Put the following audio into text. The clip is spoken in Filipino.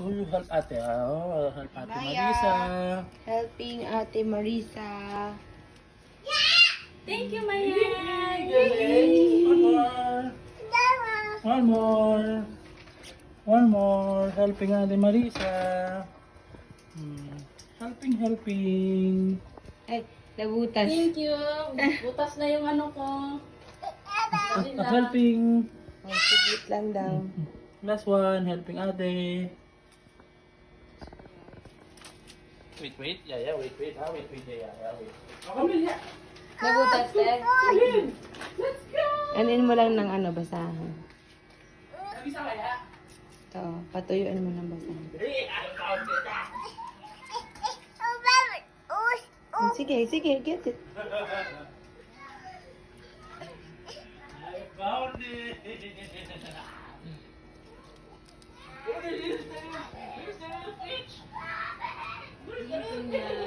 Oh, you help ate. Oh, help ate Maya. Marisa. Helping Ate Marisa. Thank you, Maya. One more. One more. One more. Helping ate Marisa. Helping. Ay, nabutas. Thank you. Butas na yung ano ko. Helping. Oh, sigit lang daw. Last one. Helping ate. Wait. Yeah, wait. Ha, wait, yeah, wait. Oh, come in, yeah. Nabutas, Ted. Come in. Let's go! Anin mo lang ng ano, basahan. Nabisa kaya? Ito, patuyuan mo ng basahan. Sige, get it. I found it. What is this? Is there a fish?